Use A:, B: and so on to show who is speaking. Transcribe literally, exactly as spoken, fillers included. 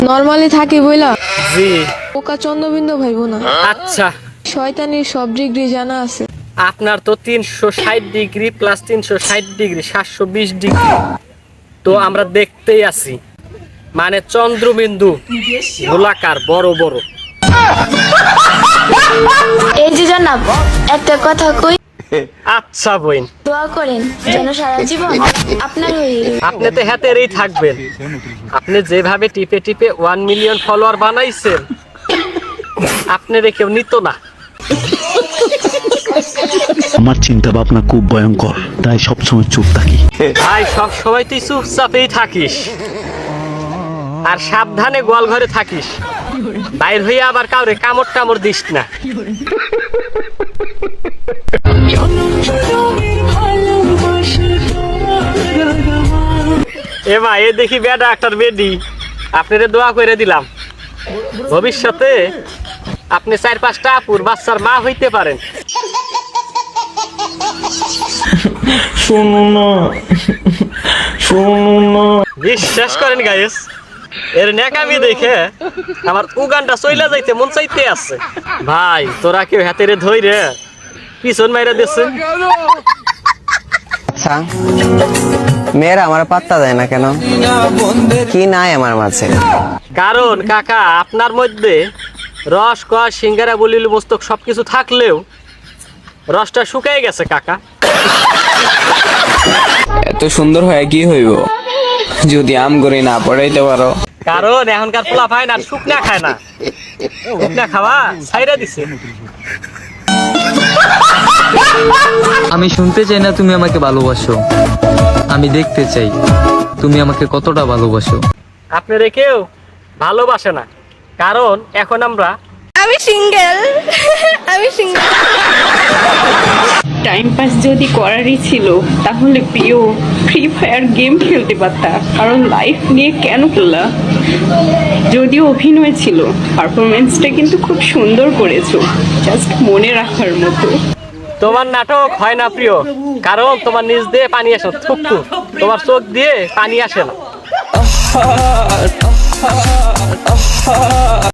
A: Normally থাকি বইলা
B: জি
A: পোকা চন্দ্রবিন্দু ভাইবো না।
B: আচ্ছা
A: শয়তানির সব ডিগ্রি জানা আছে।
B: আপনার তো তিনশো ষাট ডিগ্রি প্লাস তিনশো ষাট ডিগ্রি সাতশো বিশ ডিগ্রি, তো আমরা দেখতেই আছি মানে চন্দ্রবিন্দু গোলাকার বড় বড়।
C: এই যে জানাব একটা কথা কই,
B: আচ্ছা বইন,
C: দোয়া করেন যেন সারা জীবন আপনার হয়ে রই।
B: আপনি তো হাতেরই থাকবেন। আপনি যেভাবে টিপে টিপে ওয়ান মিলিয়ন ফলোয়ার বানাইছেন, আপনারে কেউ নিত না।
D: আমার চিন্তা ভাবনা খুব ভয়ঙ্কর, তাই সবসময় চুপ থাকি।
B: ভাই সব সময় তুই চুপচাপেই থাকিস, আর সাবধানে গোয়াল ঘরে থাকিস, বাইর হইয়া আবার কাউরে কামড় টামড় দিস না। এ মা এ দেখি বেটা একটার বেডি, আপনারে দোয়া করে দিলাম, ভবিষ্যতে আপনি চার পাঁচটা আপুর বাচ্চার মা হইতে পারেন।
E: শোনো না, শোনো না।
B: বিশ্বাস করেন গাইস, এর নেকামি দেখে আমার উগানটা চইলা যাইতে মন চাইতে আছে। ভাই তোরা কেউ হাতেরে ধইরে পিছন মাইরা দিচ্ছে।
F: আচ্ছা মেয়েরা আমার পাত্তা দেয় না কেন? কি নাই আমার মাঝে?
B: কারণ কাকা আপনার মধ্যে রস কয়া সিঙ্গারা বলিল মস্তক সবকিছু থাকলেও রসটা শুকিয়ে গেছে কাকা।
E: এত সুন্দর হয় কি হইব যদি আম করে না পড়াইতে পারো?
B: কারণ এখনকার পোলা ভাই না শুকনা খায় না, শুকনা খাওয়া ছাইরা দিছে।
G: আমি শুনতে চাই না তুমি আমাকে ভালোবাসো, আমি দেখতে চাই তুমি আমাকে কতটা ভালোবাসো।
B: আপনারে কেউ ভালোবাসে না, কারণ এখন আমরা
A: আমি সিঙ্গেল, আমি সিঙ্গেল।
H: টাইম পাস যদি করারই ছিল তাহলে প্রিয় ফ্রি ফায়ার গেম খেলতে পারতা, কারণ লাইফ নিয়ে কেন খেললা? যদিও অভিনয় ছিল, পারফরমেন্সটা কিন্তু খুব সুন্দর করেছো, জাস্ট মনে রাখার মতো।
B: তোমার নাটক হয় না প্রিয়, কারণ তোমার নিজ দিয়ে পানি আসে থুকু, তোমার চোখ দিয়ে পানি আসে না।